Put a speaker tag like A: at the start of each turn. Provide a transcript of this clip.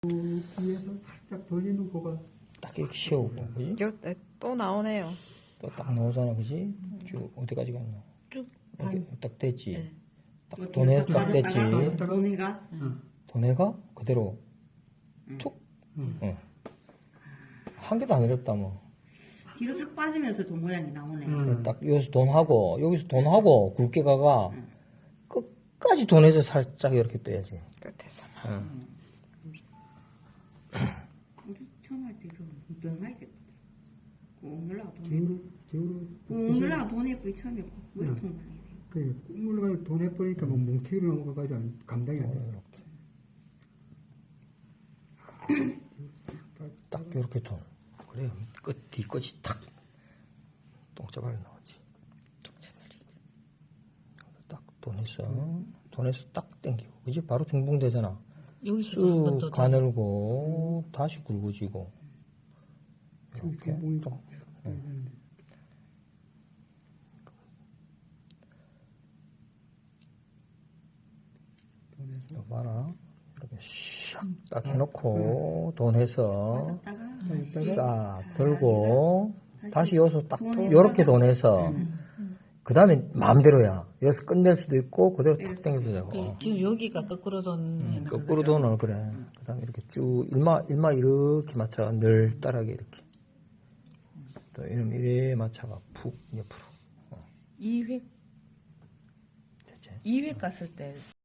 A: 뒤에서 살짝 돌리는 거가
B: 딱 이렇게 씌우고, 그지?
C: 또 나오네요.
B: 또 딱 나오잖아, 그지? 쭉, 어디까지 갔노?
C: 쭉
B: 이렇게 딱 됐지?
C: 네.
B: 딱 돈에 딱 됐지?
D: 돈해가
B: 돈에가 그대로 툭? 응. 한 개도 안 어렵다, 뭐.
D: 뒤로 싹 빠지면서 좀 모양이 나오네.
B: 딱 여기서 돈하고, 여기서 돈하고, 굵게 가가, 끝까지 돈에서 살짝 이렇게 빼야지.
C: 끝에서.
B: 응.
D: 우리 처음 할 때 이거 뭉뚱하겠다. 꾹 눌러가 돈에
A: 뒤로
D: 꾹 눌러가 돈에 뿌리 처음에 물통 나게 돼.
A: 꾹 눌러가지고 돈 해버리니까 뭐 뭉태기로 넘어가가지고 감당이 안 돼.
B: 딱 이렇게 돈. 그래, 뒤끝이 탁. 똥자발이 나오지. 딱 돈에서 딱 땡기고. 그지? 바로 중봉되잖아.
C: 여기서도 한 번 더.
B: 쭉 가늘고, 다시 굵어지고. 이렇게. 또. 이거 봐라. 이렇게 샥딱 해놓고, 돈 해서, 싹 들고, 다시 여기서 딱, 요렇게 돈 해서, 그 다음에 마음대로야. 여기서 끝낼 수도 있고, 그대로 탁 당겨도 되고.
C: 지금 여기가 거꾸로 돈.
B: 거꾸로 돈을, 그래. 그 다음에 이렇게 쭉, 일마 이렇게 맞춰, 널따라게 이렇게. 또 이러면 이래 맞춰가, 푹, 옆으로.
C: 2획
B: 됐지?
C: 2획 갔을 때